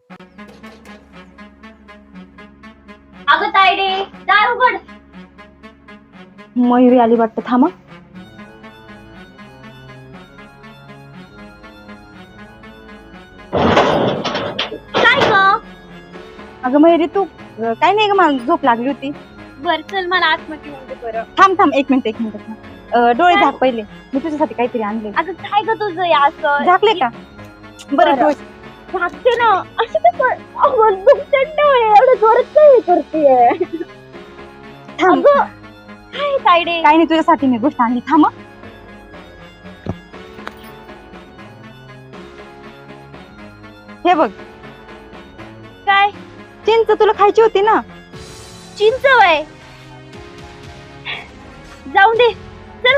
अगं तायडे, दार उघड. मयुरी आली वाटतं, थांबा. काय ग? अगं मयुरी तू काय नाही ग, मला झोप लागली होती. बर चल, मला आतमध्ये येऊन दे बरं. थांब थांब, एक मिनिट डोळे झाक पहिले. मी तुझ्यासाठी काहीतरी आणले. अगं काय ग तुझं हे असं? झाकले का? बरं डोळे झाकते ना. असं कसं? अगं दुखते डोळे, एवढं जोरात काय करतेय? थांब. अगं काय तायडे? काय नाही, तुझ्यासाठी मी गोष्ट आणली, थांब. हे बघ, काय? चिंच तुला खायची होती ना. चिंच वय? जाऊन दे, चल.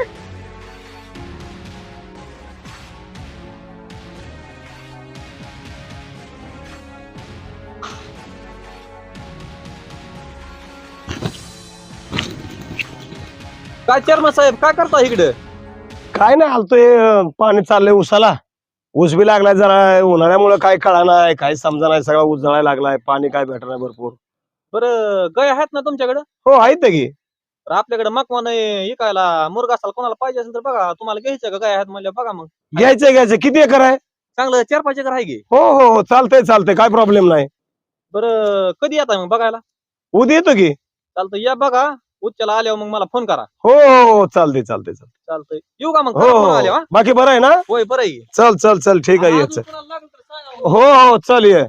काय चेअरमन साहेब काय करता इकडे? काय नाही, आलतोय पाणी चाललंय उसाला. ऊस बी लागलाय, जरा उन्हाळ्यामुळे काय कळा नाही, काय समजा नाही, सगळा ऊस जळायला लागलाय, पाणी काय भेटणार भरपूर. बरं गाय आहेत ना तुमच्याकडे? हो आहेत की. तर आपल्याकडे मकवान इकायला मुर्गा असाल, कोणाला पाहिजे असेल तर बघा. तुम्हाला घ्यायचं का गाय आहेत म्हणलं बघा. मग घ्यायचं किती एकर आहे? चांगलं 4-5 एकर आहे की. हो हो हो, चालतंय काय प्रॉब्लेम नाही. बरं कधी येता मग बघायला? उद्या येतो की. चालतं, या बघा. उच्चाला आल्यावर मग मला फोन करा. हो हो हो, चालतंय. चालतंय, येऊ का मग? हो फोन हो आल्यावर. बाकी बरं आहे ना? होय बरं आहे. चल ठीक आहे, अजून ये. कोणाला लागलं तर सांगा. हो हो, चल ये.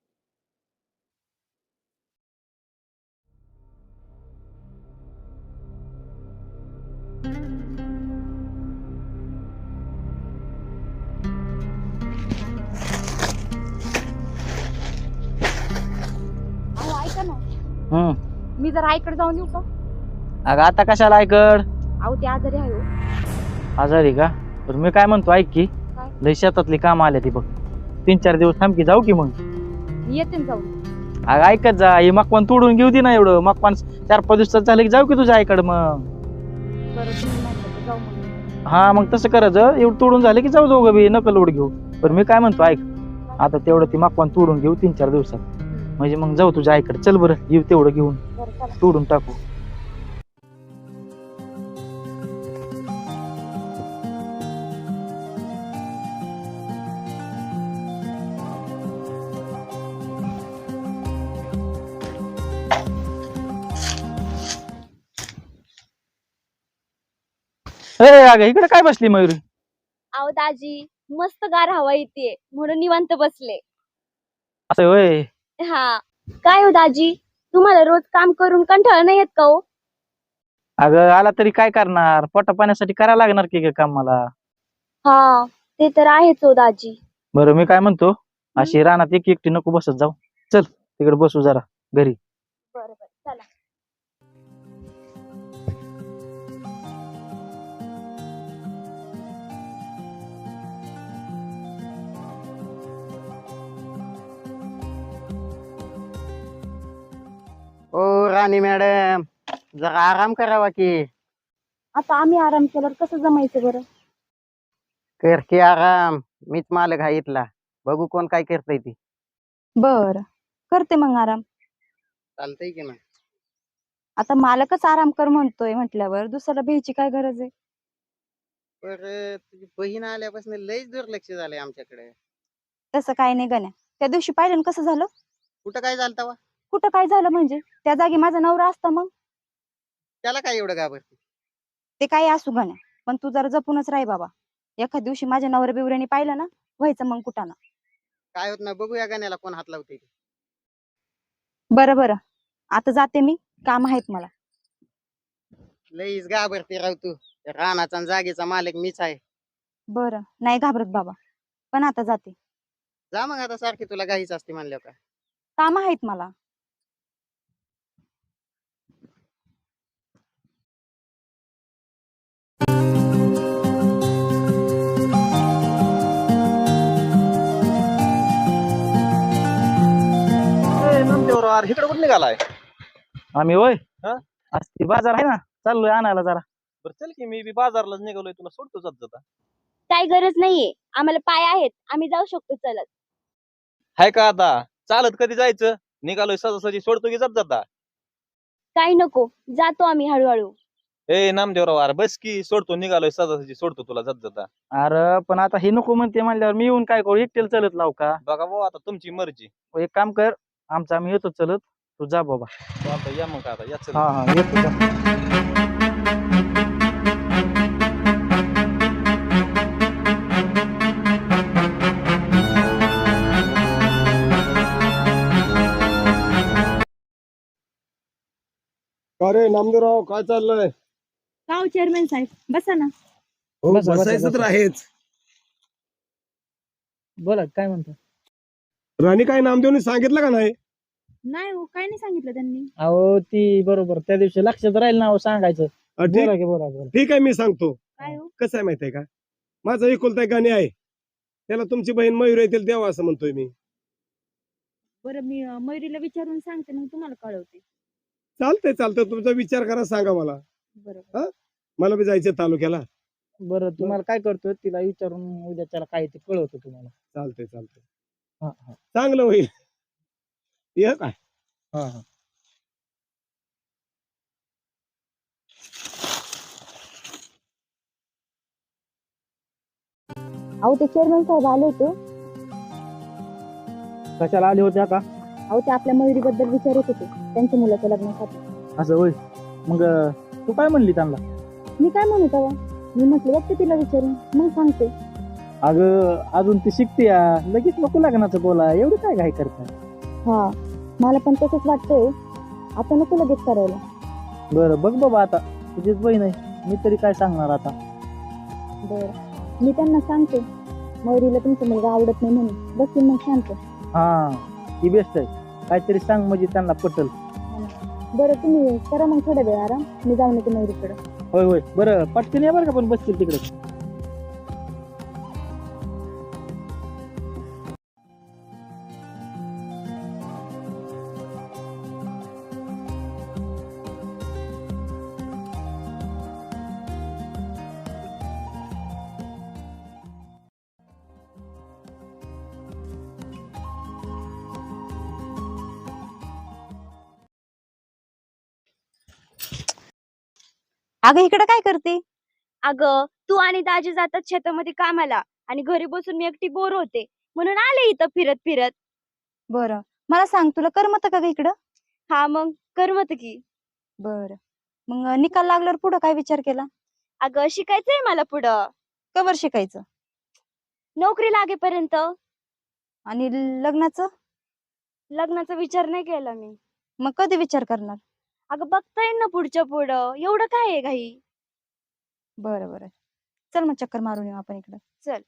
अहो ऐका ना, मी जरा आईकडे जाऊन येऊ का? अगं आता कशाला ऐकड? अहो ते आजारी आहे हो. आजारी का? तर मी काय म्हणतो, ऐक की. काय? लय शेतातली काम आले ती बघ. 3-4 दिवस थांब की, जाऊ की मग. येते ना जाऊन. अगं ऐकत जा, हे मकवान तोडून घेऊ दे ना. एवढं मकवान 4-5 दिवसात झालं की जाऊ की तुझ्या आईकडं मग. बरं तुम्ही म्हणता तर जाऊ मग. हा मग तसं करायचं. एवढं तोडून झालं की जाऊ दोघं बी, नकल लोड घेऊ. पण मी काय म्हणतो, ऐक. आता तेवढं ती मकवान तोडून घेऊ 3-4 दिवसात. म्हणजे मग जाऊ तुझ्या आईकडे. चल बरं, येऊ तेवढं घेऊन, बरं चला. तोडून टाकू. अगं इकडे काय बसली मयुरी? अहो दाजी, मस्त गार हवा येते म्हणून निवांत बसले. असं होय? हा. काय हो दाजी, तुम्हाला रोज काम करून कंटाळा नाही येत का हो? अगं आला तरी काय करणार, पोटा पाण्यासाठी करायला लागणार की ग काम मला. हा, ते तर आहेच हो दाजी. बरं मी काय म्हणतो, अशी रानात एकटी नको बसत जाऊ. चल तिकडे बसू जरा घरी. बरं चला. ओ राणी मॅडम, जरा आराम करावा की. आता आम्ही आराम केल्यावर कसं जमायचं बरं? कर की आराम, मीच मालक आहे इथला. बघू कोण काय करतय ती. बर करते मग आराम. चालतंय की ना. आता मालकच आराम कर म्हणतोय म्हटल्यावर दुसऱ्याला भ्यायची काय गरज आहे? पर तुझी बहीण आल्यापासून लयच दुर्लक्ष झालंय आमच्याकडे. तसं काय नाही गण्या. त्या दिवशी पाहिलं ना कसं झालं? कुठं काय झालं तवा? कुठं काय झालं म्हणजे? त्या जागी माझा नवरा असता मग. त्याला काय एवढं घाबरते? ते काही असू गण्या, पण तू जरा जपूनच राही बाबा. एखाद दिवशी माझ्या नवऱ्या बिवऱ्याने पाहिलं ना, व्हायचं मग कुठाना. काय होत ना, बघूया गाण्याला कोण हात लावते. बरं बरं, आता जाते मी, काम आहेत मला. लईच घाबरते राव तू. त्या रानाचा आणि जागेचा मालक मीच आहे. बरं नाही घाबरत बाबा, पण आता जाते. जा मग, आता सारखी तुला घाईच असते म्हणल्यावर का. काम आहेत मला. इकडे कुठे निघालाय? आम्ही होय, हा? आज ती बाजार आहे ना, चाललोय आणायला जरा. बरं चल की, मी बी बाजारलाच निघालोय, तुला सोडतो जात जाता. काय गरज नाहीये, आम्हाला पाय आहेत, आम्ही जाऊ शकतो चलत. हाय का आता? चालत कधी जायचं? निघालोय सहजासहजी सोडतो की जात जाता. काही नको, जातो आम्ही हळूहळू. ए नामदेवराव अरे बस की सोडतो, निघालोय सहजासहजी सोडतो तुला जात जाता. अरे पण आता हे नको म्हणते म्हणल्यावर मी येऊन काय करू, एकटेला चलत लाव का? बघा भाऊ आता तुमची मर्जी. एक काम कर, आमचं आम्ही येतो चलत, तू जा बाबा. आता या मग आता या चल. हा हा येतो जा. अरे नामदेवराव काय चाललंय? का चेअरमॅन साहेब बसा ना. हो बसा, बसा, बसायचं तर बसा. आहेच. बोला काय म्हणतो. राणी काय नामदेवनी सांगितलं का नाही? नाही हो, काय नाही सांगितलं त्यांनी. अहो ती बरोबर त्या दिवशी लक्षात राहील ना हो सांगायचं. ठीक बोला की बोला बोला. ठीक आहे मी सांगतो. काय हो? कसं आहे माहितीये का, माझा एकुलता एक गाणी आहे, त्याला तुमची बहीण मयूर येतील द्यावा असं म्हणतोय मी. बरं मी मयुरीला विचारून सांगते, मग तुम्हाला कळवते. चालतंय चालतंय, तुमचा विचार करा, सांगा मला. बरोबर. मला बी जायचं तालुक्याला. बरं तुम्हाला काय करतो, तिला विचारून उद्याच्याला काय ते कळवतो तुम्हाला. चालतंय चालतंय, हा हा चांगलं होईल. ये काय हा हा. अहो ते चेअरमॅन साहेब आले होते. कशाला आले होते आता? अहो ते आपल्या मयुरीबद्दल विचारत होते, त्यांच्या मुलाच्या लग्नासाठी. असं होय. मग तू काय म्हणली त्यांना? मी काय म्हणू तेव्हा, मी म्हटलं बघते तिला विचारून मग सांगते. अगं अजून ती शिकते या, लगेच नको लग्नाचं बोला, एवढं काय घाई करताय? हा मला पण तसंच वाटतंय, आता नको लगेच करायला. बरं बघ बाबा, आता तुझीच बहीण आहे, मी तरी काय सांगणार आता. बरं मी त्यांना सांगते, मयुरीला तुमचा मुलगा आवडत नाही म्हणून, बस मग शांत. हा ही बेस्ट आहे, काहीतरी सांग म्हणजे त्यांना पटल. बरं तुम्ही करा मग थोड्या वेळ आराम, मी जाऊन येते मयुरीकडे. होय होय बरं पटकन या बरं का, पण बसतील तिकडे. अगं इकडे काय करते? अगं तू आणि दाजी जातात शेतामध्ये कामाला, आणि घरी बसून मी एकटी बोर होते, म्हणून आले इथं फिरत फिरत. बरं मला सांग, तुला करमत का ग इकडं? हा मग करमत की. बरं मग निकाल लागल्यावर पुढं काय विचार केला? अगं शिकायचंय मला पुढं, कवर शिकायचं नोकरी लागेपर्यंत. आणि लग्नाचं? लग्नाचा विचार नाही केला मी. मग कधी विचार करणार? अगं बघता येईल ना पुढच्या पुढं, एवढं काय आहे घाई. बरं बरं चल मग चक्कर मारून येऊ आपण इकडं. चल.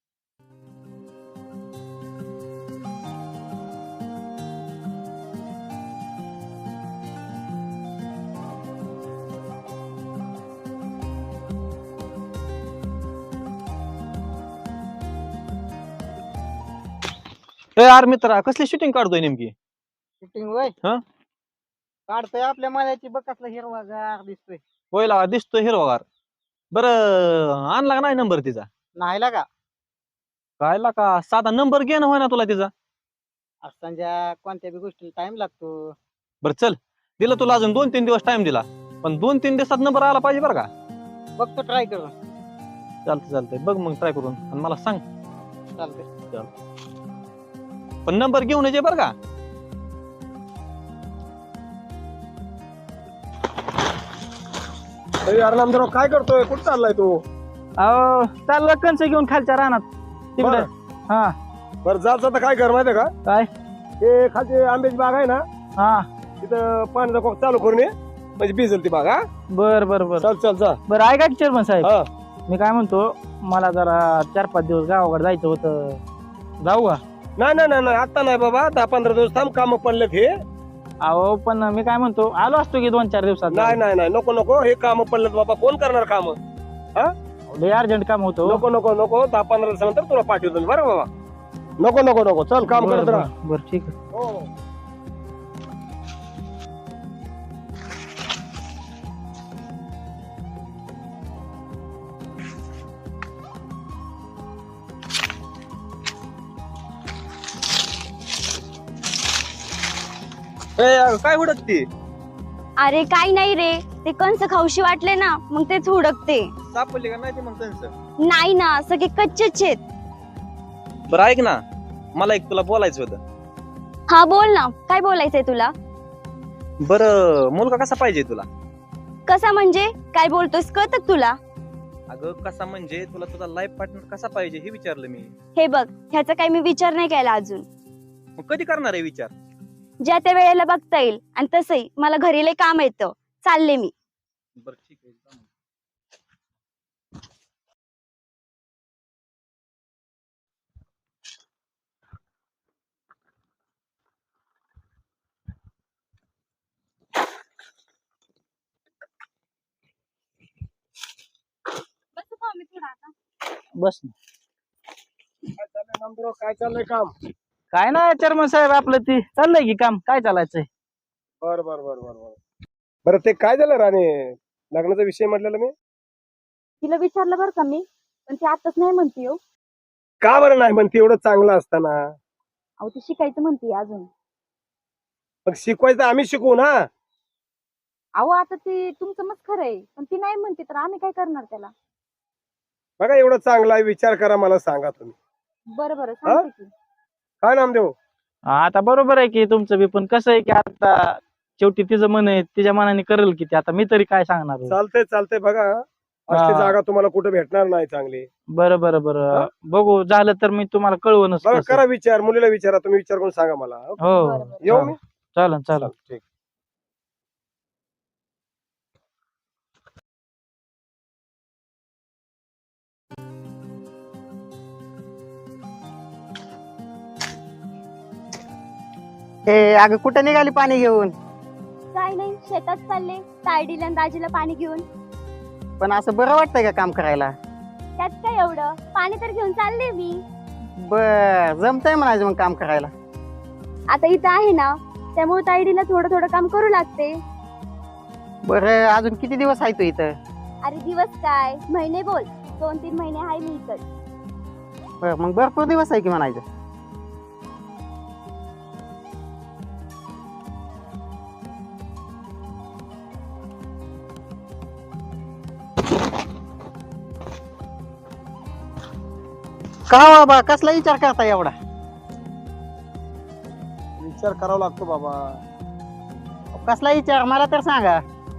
ए यार मित्रा, कसली शूटिंग काढतोय नेमकी? शूटिंग वय हा? काढतोय आपल्या माल्याची, बघ कसला हिरवागार दिसतोय. होय लागा दिसतोय हिरवागार. बरं आणला का नाही नंबर तिचा? नाही लागा. काय लागा साधा नंबर घे ना, होय ना तुला तिचा. असताना कोणत्या बी गोष्टीला टाइम लागतो. बरं चल, दिला तुला अजून 2-3 दिवस टाइम दिला, पण 2-3 दिवसात नंबर आला पाहिजे बरं का. बघतो ट्राय करून. चालतंय चालतंय, बघ मग ट्राय करून आणि मला सांग. चालतंय. पण नंबर घेऊन ये बरं का. अरे यार नामदेवराव काय करतोय, कुठं चाललाय तू? अहो चाललं कंच घेऊन खालच्या रानात तिकडे. बरं. हा बरं जात आता काय कर माहितीये का, काय? ते खालची आंब्याची बाग आहे ना, हा तिथं पाण्याचा कॉक चालू करून ये, म्हणजे भिजल ती बाग. हा बर बर बर चल चल जा. बरं ऐका की चेअरमन साहेब, हा मी काय म्हणतो, मला जरा 4-5 दिवस गावाकडे जायचं होतं, जाऊ का? नाही नाही नाही नाही, आता नाही बाबा, 10-15 दिवस थांब, काम पडलेत हे. अहो पण मी काय म्हणतो, आलो असतो की 2-4 दिवसात. नाही नाही नाही, नको नको, हे काम पडलेत बाबा, कोण करणार काम? लय अर्जंट काम होतं. नको नको नको, 10-15 दिवसानंतर तुला पाठवतो मी, बरं बाबा. नको नको नको, चल काम करत राहा. बरं ठीक आहे. हो. अगं, काय हुडकती? अरे काय नाही रे, ते कंस खाऊशी वाटले ना मग तेच हुडकते. सापडली का नाही ते मग त्यांचं? नाही ना, सगळे कच्चेच आहेत. बरं ऐक ना, मला एक तुला बोलायचं होतं. हा बोल ना, काय बोलायचंय तुला? बरं मुलगा कसा पाहिजे तुला? कसा म्हणजे काय बोलतोस कळत तुला? अगं कसा म्हणजे तुला तुझा लाईफ पार्टनर कसा पाहिजे हे विचारलं मी. हे बघ, ह्याचा काही मी विचार नाही केला अजून. मग कधी करणार आहे विचार? ज्या त्या वेळेला बघता येईल. आणि तसंही मला घरी लय काम येतं, चालले मी. बरं ठीक आहे जा मग. बस ना. काय चाललंय नामदेव? काय चाललंय काम? काय नाही चेअरमन साहेब, आपलं ती चाललंय की काम. काय चालायचंय? बर बर बर बर बर बरं ते काय झालं राणे, लग्नाचा विषय म्हटलेला मी? तिला विचारलं बरं का मी, पण ती आताच नाही म्हणते हो. का बरं नाही म्हणते? एवढं चांगलं असताना. अहो ती शिकायचं म्हणते अजून. मग शिकवायचं आम्ही शिकवू ना. अहो आता ती तुमचं मत खरं आहे, पण ती नाही म्हणते तर आम्ही काय करणार त्याला? बघा एवढं चांगला आहे, विचार करा, मला सांगा तुम्ही. बरं बरं सांगते की. काय नामदेव? आता बरोबर आहे की तुमचं बी, पण कसं आहे की आता शेवटी तिचं मन आहे, तिच्या मनाने करेल की ते. आता मी तरी काय सांगणार आहे? चालतंय चालतंय, बघा असली हा. जागा तुम्हाला कुठे भेटणार नाही चांगली. बरं बरं बरं, बघू झालं तर मी तुम्हाला कळवूनच बघा तसं. करा विचार, मुलीला विचारा, तुम्ही विचार करून सांगा मला. हो बरं, बरं. येऊ मी? चालन चालन. ठीक. अगं कुठं निघाली पाणी घेऊन? काय नाही, शेतात चालले तायडीला आणि दाजीला पाणी घेऊन. पण असं बरं वाटतंय का काम करायला? त्यात काय एवढं, पाणी तर घेऊन चालले मी. बर जमतंय म्हणायचं मग काम करायला. आता इथं आहे ना, त्यामुळे तायडीला थोडं थोडं काम करू लागते. बरं अजून किती दिवस आहे तू इथं? अरे दिवस काय, महिने बोल. 2-3 महिने आहे मी इथं. बरं मग भरपूर दिवस आहे की म्हणायचं. का बाबा कसला विचार करता एवढा? विचार करावा लागतो बाबा. कसला विचार मला तर सांगा.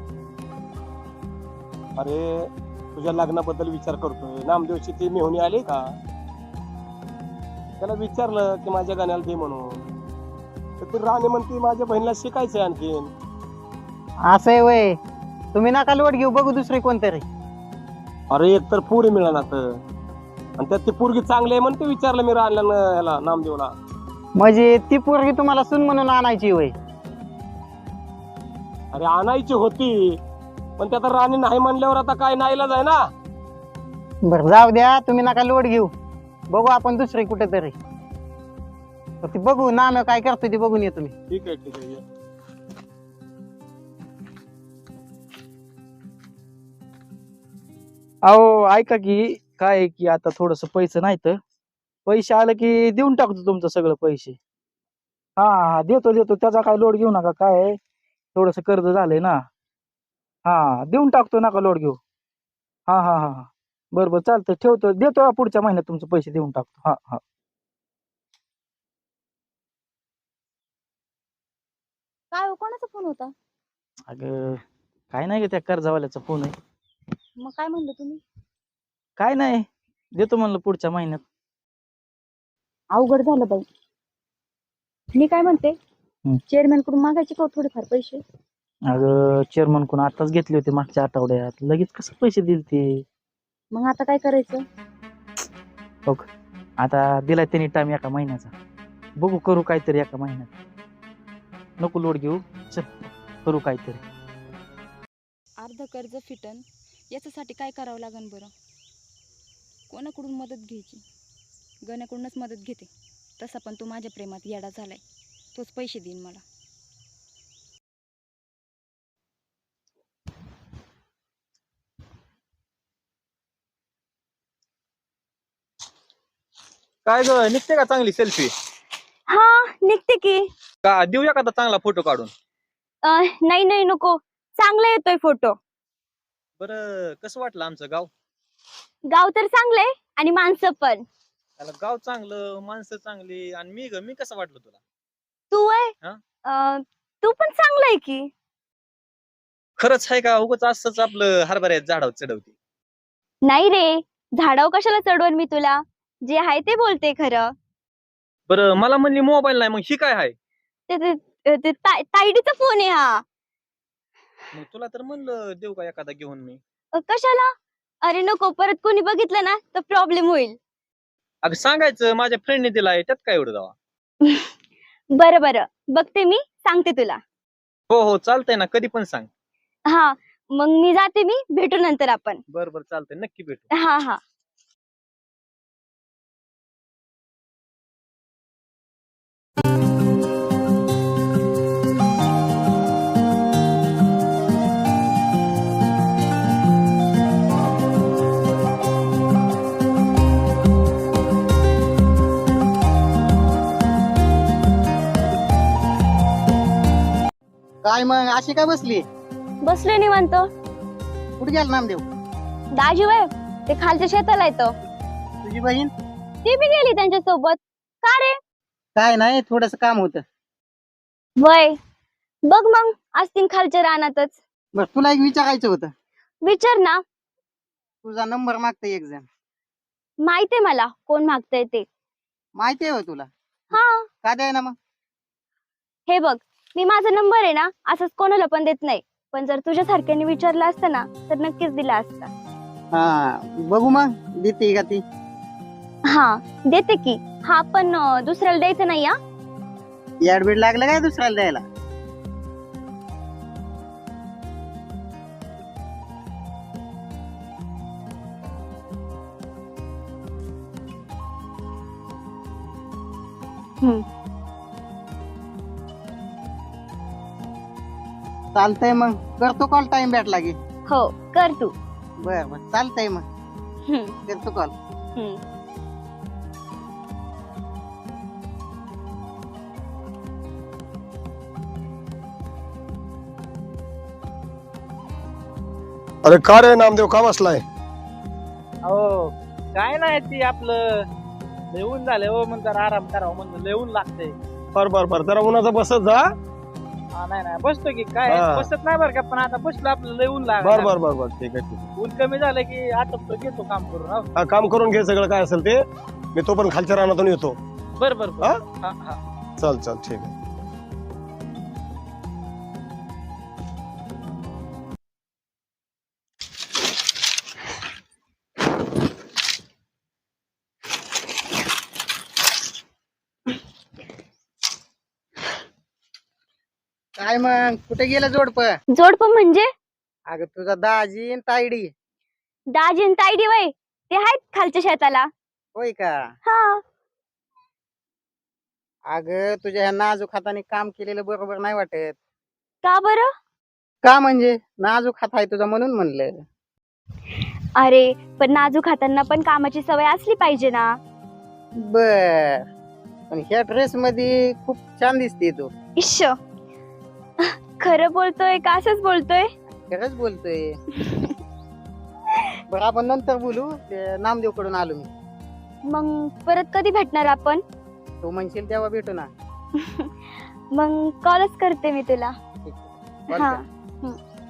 अरे तुझ्या लग्नाबद्दल विचार करतोय. नामदेवची ती मेहुणी आली का? त्याला विचारलं की माझ्या गाण्याला दे म्हणून, तर ती राणी म्हणते माझ्या बहिणीला शिकायचंय आणखीन. असं आहे वय, तुम्ही नका लोट घेऊ, बघू दुसरी कोणतरी. अरे एक तर पोरी मिळणार तर, आणि त्यात ती पोरगी चांगली आहे म्हणते. विचारलं मी राणीला, ह्याला नामदेवला. म्हणजे ती पोरगी तुम्हाला सून म्हणून आणायची वय? अरे आणायची होती, पण त्यात राणी नाही म्हणल्यावर आता काय नाईलाज आहे ना. बर जाऊ द्या, तुम्ही नका लोट घेऊ, बघू आपण दुसरी कुठेतरी. ती बघू नाम काय करतोय ते बघून येतो मी. ठीक आहे ठीक आहे, ये. अहो ऐका की, काय आहे की आता थोडस पैसे नाही तर, पैसे आले की देऊन टाकतो तुमचं सगळं पैसे. हा हा देतो देतो, त्याचा काय लोड घेऊ नका. काय आहे, थोडस कर्ज झालंय ना. हा देऊन टाकतो, नका लोड घेऊ. हा हा हा हा बरं बरं चालतंय, ठेवतो. देतो पुढच्या महिन्यात तुमचे पैसे देऊन टाकतो. हा हा. काय हो, कोणाचा फोन होता? अगं काय नाही ग, त्या कर्जावाल्याचा फोन आहे. मग काय म्हणलं तुम्ही? काय नाही, देतो म्हणलं पुढच्या महिन्यात. अवघड झालं बाई. मी काय म्हणते, चेअरमॅन कडून मागायचे का हो थोडेफार पैसे? अगं चेअरमन कोण आताच घेतले होते मागच्या आठवड्यात, लगेच कसं पैसे दिल ते? मग आता काय करायचं? बघ आता दिलाय त्यांनी टाइम एका महिन्याचा, बघू करू काहीतरी एका महिन्यात. नको लोड घेऊ, चल करू काहीतरी. अर्ध कर्ज फिटन याच्यासाठी काय करावं लागेल बरं? कोणाकडून मदत घ्यायची? गण्याकडूनच मदत घेते. तसा पण तो माझ्या प्रेमात येडा झालाय, तोच पैसे देईन मला. काय ग, निघते का चांगली सेल्फी? हा निघते की. का देऊ एखादा चांगला फोटो काढून? नाही नाही नको, चांगला येतोय फोटो. बरं कसं वाटलं आमचं गाव? गाव तर चांगलंय आणि माणसं पण. त्याला गाव चांगलं, माणसं चांगली, आणि मी कसं वाटलं तुला? तू आहे हा? तू पण चांगलाय की. खरंच आहे का उगाच असंच आपलं हरभऱ्यात झाडावर चढवते? नाही रे, झाडावर कशाला चढवून मी तुला, जे आहे ते बोलते खरं. बरं मला म्हणली मोबाईल नाही, मग ही काय आहे? तायडीचा फोन आहे हा. मग तुला तर म्हणलं देऊ का एखादा घेऊन मी. कशाला? अरे नको, परत कोणी बघितलं ना तर प्रॉब्लेम होईल. अगं सांगायचं माझ्या फ्रेंडने दिलाय, त्यात काय एवढं जावा. बरं बरं, बघते मी, सांगते तुला. हो हो चालतंय ना, कधी पण सांग. हा मग मी जाते, मी भेटू नंतर आपण. बरं चालतंय, नक्की भेटू. हा हा. काय मग अशी काय बसली? बसलोय निवांत. कुठे गेला नामदेव? दाजी वय ते खालच्या शेताला येतो. तुझी बहीण? ती बी गेली त्यांच्या सोबत. का रे? काय नाही, थोडस काम होतं. वय बघ मग, असतील खालच्या रानातच. बर तुला एक विचारायचं होतं. विचार ना. तुझा नंबर मागतंय एक जण. माहितीये मला कोण मागतंय ते. माहिती आहे तुला? हा का द्याय ना मग? हे बघ, मी माझा नंबर आहे ना असंच कोणाला पण देत नाही, पण जर तुझ्या सारख्याने विचारलं असतं ना तर नक्कीच दिला असता. हा बघू मग देते का ती. हा देते की. हा पण दुसऱ्याला द्यायचं नाही. हा ऍडमिट लागलं काय दुसऱ्याला द्यायला? चालतंय मग, करतो कॉल टाइम भेटला की. हो कर तू. बर बर चालतंय मग, हम्म, करतो कॉल. हम्म. अरे का रे नामदेव, का बसलाय? हो काय नाही, ती आपलं लेऊन झाले हो, मग जरा आराम करावं म्हणलं, लेऊन लागते. बर जरा उन्हाचा बसत जा. नाही नाही बसतो की, काय हा. बसत नाही बरं का, पण आता बसलो आपलं लेऊन लाग. बर ठीक आहे. ऊन कमी झालं की आटपतो, घेतो काम करून. हो. हा, काम करून घे सगळं काय असेल ते. मी तो पण खालच्या रानातून येतो. बरं बरं हा? बरं. हा हा. चल ठीक आहे. काय मग कुठे गेलं जोडप? जोडपं म्हणजे? अगं तुझा दाजी आणि तायडी. दाजी आणि तायडी वय ते आहेत खालच्या शेताला. होय का? हा. अगं तुझ्या ह्या नाजूक हाताने काम केलेलं बरोबर नाही वाटत. का बरं? का म्हणजे नाजूक हात आहे तुझा म्हणून म्हणलं. अरे पण नाजूक हातांना पण कामाची सवय असली पाहिजे ना. बर, पण ह्या ड्रेस मध्ये खूप छान दिसते तू. इश्श, खरं बोलतोय का असंच बोलतोय? खरंच बोलतोय. बरं आपण नंतर बोलू, ते नामदेव कडून आलो मी. मग परत कधी भेटणार आपण? तू म्हणशील तेव्हा भेटू ना. मग कॉलच करते मी तुला. ठीक आहे. Call हा. कर.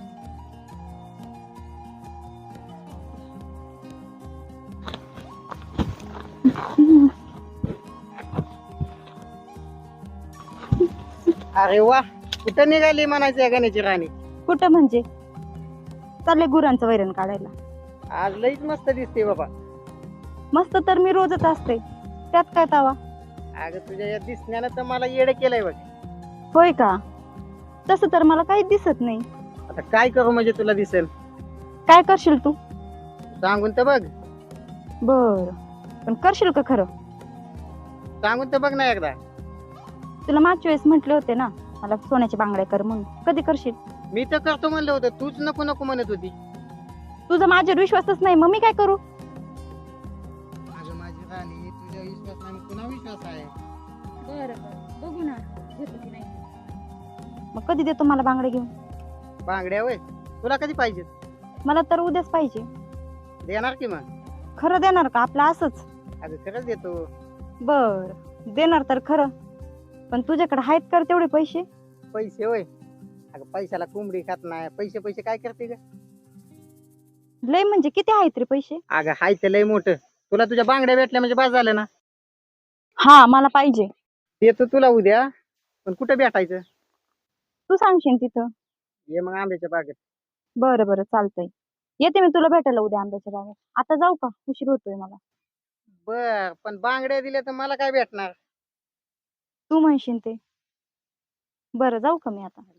अरे वा, कुठं निघाली म्हणायची या गण्याची राणी? कुठं म्हणजे? चालले गुरांचं वैरण काढायला. आज लईच मस्त दिसते बाबा. मस्त तर मी रोजच असते, त्यात काय तावा. अगं तुझ्या या दिसण्यानं तर मला येडं केलंय बघ. होय का? तसं तर मला काहीच दिसत नाही. आता काय करू म्हणजे तुला दिसेल? काय करशील तू? सांगून तर बघ. बर, पण करशील का खरं? सांगून तर बघ ना एकदा. तुला मागच्या वेळेस म्हटले होते ना मला सोन्याचे बांगड्या कर म्हणून, कधी करशील? मी तर करतो म्हणलं होतं, तूच नको नको म्हणत होती. तुझा माझ्यावर विश्वासच नाही, मग मी काय करू? अगं माझी राणी, तुझ्या विश्वासाने पुन्हा विश्वास आहे. बरं बरं बघू ना. देतो की नाही. मग कधी देतो मला बांगड्या घेऊन? बांगड्या वय तुला कधी पाहिजे? मला तर उद्याच पाहिजे. देणार की मग? खरं देणार का आपलं असंच? अगं खरंच देतो. बर देणार तर खरं, पण तुझ्याकडे आहेत कर तेवढे पैसे? पैसे होय? अगं पैशाला कोंबडी खात नाही. पैसे पैसे काय करते ग? लय म्हणजे किती आहेत रे पैसे? अगं हाय ते लय मोठं. तुला तुझ्या बांगड्या भेटल्या म्हणजे बस झालं ना. हा मला पाहिजे. देतो तुला उद्या, पण कुठं भेटायचं? तू सांगशील तिथं. ये मग आंब्याच्या बागेत. बरं बरं चालतंय, येते मी तुला भेटायला उद्या आंब्याच्या बागेत. आता जाऊ का? उशीर होतोय मला. बर पण बांगड्या दिल्या तर मला काय भेटणार? तू म्हणशील ते. बरं जाऊ का मी आता?